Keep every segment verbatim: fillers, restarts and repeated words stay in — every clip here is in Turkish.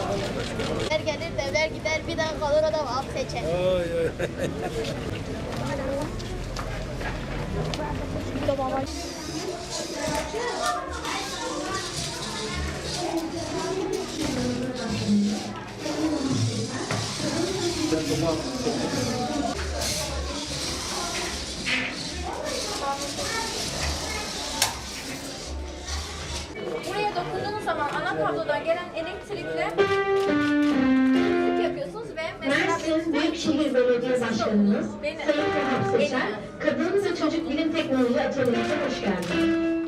Devler gelir, devler gider, bir daha kalır adam alt seçer. Oy oy. Buraya dokunduğunuz zaman ana kablodan gelen elektrikle temizlik yapıyorsunuz ve mesela Mersin Büyükşehir Belediye Başkanımız Benim. Sayın Ferhat Seçer, Kadın ve Çocuk Bilim Teknoloji Atölyesi'ne hoş geldiniz.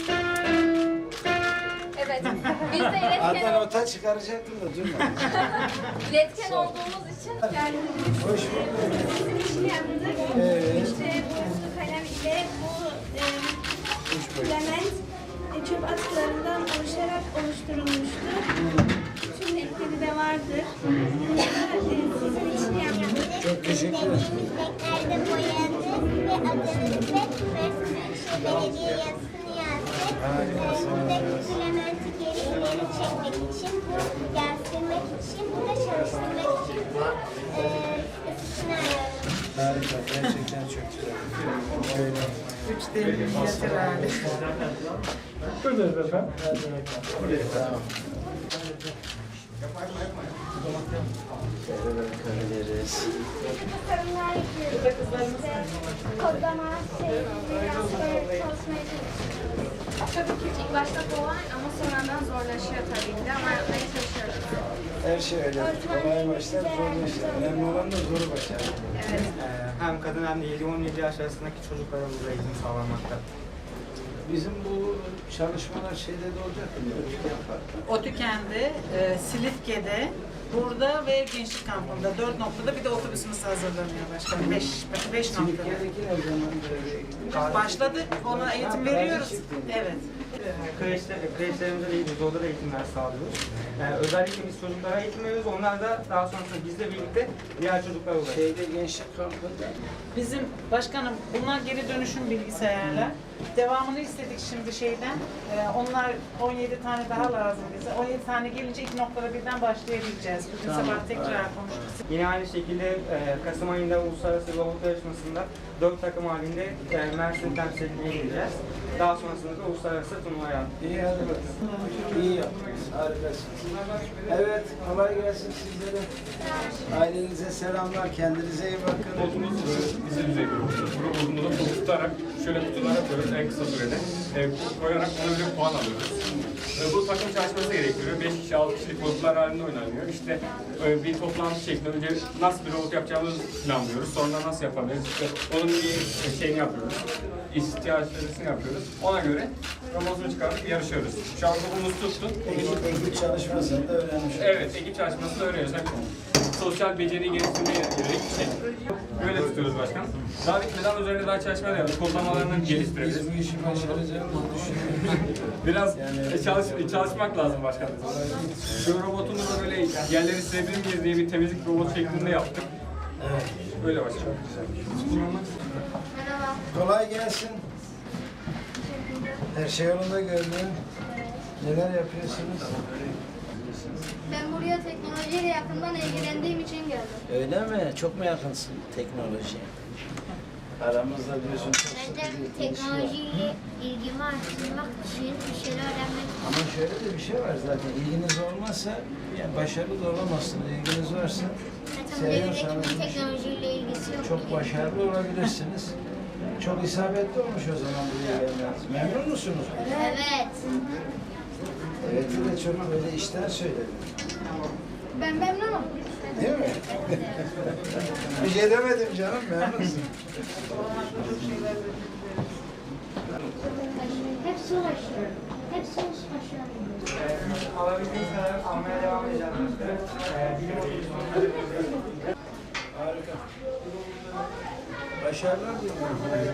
evet biz de iletken, Adnan ota çıkaracaktım da durma. iletken olduğumuz için geldiniz. Hoş bulduk. Bizim için yaptık. Evet. İşte bu su kalem ile bu e, element e, çöp atıklarından oluşarak oluşturulmuştur. Tüm renkleri de vardır. Bunu e, sizin için yaptık. Çok teşekkür ederim. Renklerde boyadık ve adınızı ve Büyükşehir Belediye yazısını yazdık. Buradaki filamenti geri ileri çekmek için, bu yazdırmak için, bu da çalıştırmak için bu e, ısısını ayarladık. Harika. Gerçekten çok güzel. Şöyle. Üç D minyatür hali. Buradayız efendim. Tamam. Şöyle bakabiliriz. Sorunlar yapıyoruz. İşte kodlama, şey, biraz böyle çalışmaya çalışıyoruz. Tabii ki ilk başta kolay ama sonradan zorlaşıyor tabii ki de ama yapmaya çalışıyoruz. Her şey öyle. Kolay başlar, zor başlar. Önemli olan da zoru başlar. Evet. Ee, hem kadın hem de yedi on yedi yaş arasındaki çocuklara burada eğitim sağlanmakta. Bizim bu çalışmalar şeyde de olacak mı? Otüken'de, e, Silifke'de, burada ve Gençlik Kampı'nda dört noktada bir de otobüsümüz hazırlanıyor başkanım. Beş, beş noktada. Silifke'deki ne zaman? Başladık, ona eğitim veriyoruz. Evet. Kreşler, kreşlerimizde de eğitim, orada da eğitimler sağlıyoruz. Yani özellikle biz çocuklara eğitim veriyoruz, onlar da daha sonrasında bizle birlikte diğer çocuklara ulaşıyor. Şeyde gençlik kampında. Bizim başkanım bunlar geri dönüşüm bilgisayarlar. Devamını istedik şimdi şeyden. Ee, onlar on yedi tane daha lazım bize. on yedi tane gelince iki noktada birden başlayabileceğiz. Bugün Tamam. sabah tekrar konuştuk. Yine aynı şekilde e, Kasım ayında Uluslararası Robot Yarışması'nda dört takım halinde e, Mersin temsil etmeye gideceğiz. Daha sonrasında da uluslararası turnuvaya. İyi hadi bakalım. İyi yaptınız. Harikasınız. Evet, kolay gelsin sizlere. Ailenize selamlar. Kendinize iyi bakın. Robotumuz bize düzey bir robot. Bu robotumuzda topu tutarak şöyle kutulara koyuyoruz en kısa sürede. E, koyarak ona göre puan alıyoruz. E, bu takım çalışması gerektiriyor. beş kişi, altı kişilik robotlar halinde oynanıyor. İşte e, bir toplantı şeklinde önce nasıl bir robot yapacağımızı planlıyoruz. Sonra nasıl yapabiliriz? İşte onun bir şeyini yapıyoruz. İhtiyaçlarını yapıyoruz. Ona göre robotunu çıkartıp yarışıyoruz. Şu an robotumuz tuttu. Ekip, ekip çalışmasını da öğrenmiş olduk. Evet, ekip çalışmasını öğreniyoruz. Hem sosyal beceri geliştirmeye yönelik bir şey. Böyle tutuyoruz başkan. Daha bitmeden üzerine daha çalışmalar yapıyoruz. Kodlamalarını geliştirebiliriz. Biz bu işi başaracağımızı düşünüyoruz. Biraz e, çalış, çalışmak lazım başkan. Şu robotunu da böyle yerleri silebilir miyiz diye bir temizlik robotu şeklinde yaptık. Evet. Böyle başkan. Merhaba. Kolay gelsin. Her şey yolunda gördüm. Neler yapıyorsunuz? Ben buraya teknolojiyle yakından ilgilendiğim için geldim. Öyle mi? Çok mu yakınsın teknolojiye? Aramızda diyorsun çok sıkı Bence bir ilişki var. teknolojiyle ilgimi arttırmak için bir şeyler öğrenmek için. Ama şöyle de bir şey var zaten. İlginiz olmazsa yani başarılı da olamazsınız. İlginiz varsa Zaten devletin seviyorsanız bir bu işi teknolojiyle ilgisi yok. çok başarılı olabilirsiniz. Çok isabetli olmuş o zaman buraya gelmeniz. Memnun musunuz? Evet. Evet de çok böyle işten söyledim. Ben memnunum. Değil mi? Bir şey demedim canım, memnunsun. Hepsi ulaşıyor. Hepsi ulaşıyor. Ee, alabildiğimiz kadar almaya devam edeceğiz. Ee, bilim otobüsü. Harika. Başarılar diliyorum.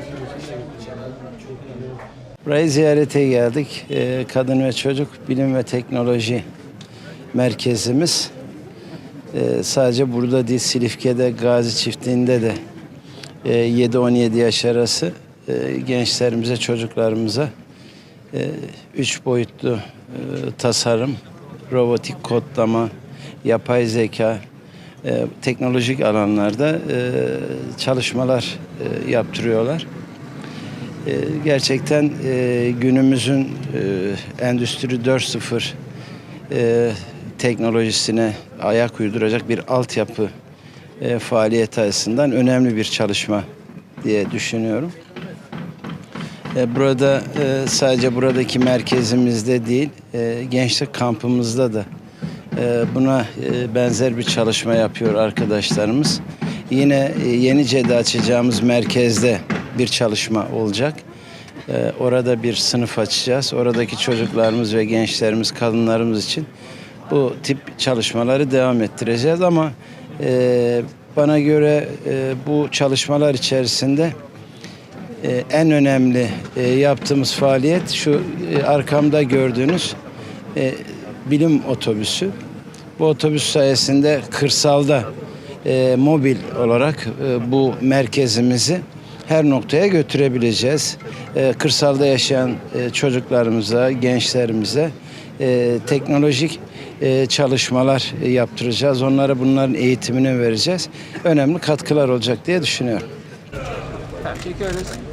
Burayı ziyarete geldik. Ee, Kadın ve Çocuk Bilim ve Teknoloji Merkezimiz. Ee, sadece burada değil, Silifke'de, Gazi Çiftliği'nde de e, yedi on yedi yaş arası e, gençlerimize, çocuklarımıza e, üç boyutlu e, tasarım, robotik kodlama, yapay zeka, e, teknolojik alanlarda e, çalışmalar e, yaptırıyorlar. E, gerçekten e, günümüzün e, Endüstri dört nokta sıfır e, teknolojisine ayak uyduracak bir altyapı e, faaliyeti açısından önemli bir çalışma diye düşünüyorum. E, burada e, sadece buradaki merkezimizde değil, e, gençlik kampımızda da e, buna e, benzer bir çalışma yapıyor arkadaşlarımız. Yine e, Yenice'de açacağımız merkezde bir çalışma olacak. E, orada bir sınıf açacağız. Oradaki çocuklarımız ve gençlerimiz, kadınlarımız için bu tip çalışmaları devam ettireceğiz ama e, bana göre e, bu çalışmalar içerisinde e, en önemli e, yaptığımız faaliyet şu e, arkamda gördüğünüz e, bilim otobüsü. Bu otobüs sayesinde kırsalda e, mobil olarak e, bu merkezimizi her noktaya götürebileceğiz. E, kırsalda yaşayan e, çocuklarımıza, gençlerimize e, teknolojik e, çalışmalar e, yaptıracağız. Onlara bunların eğitimini vereceğiz. Önemli katkılar olacak diye düşünüyorum. Tamam, çekiyoruz.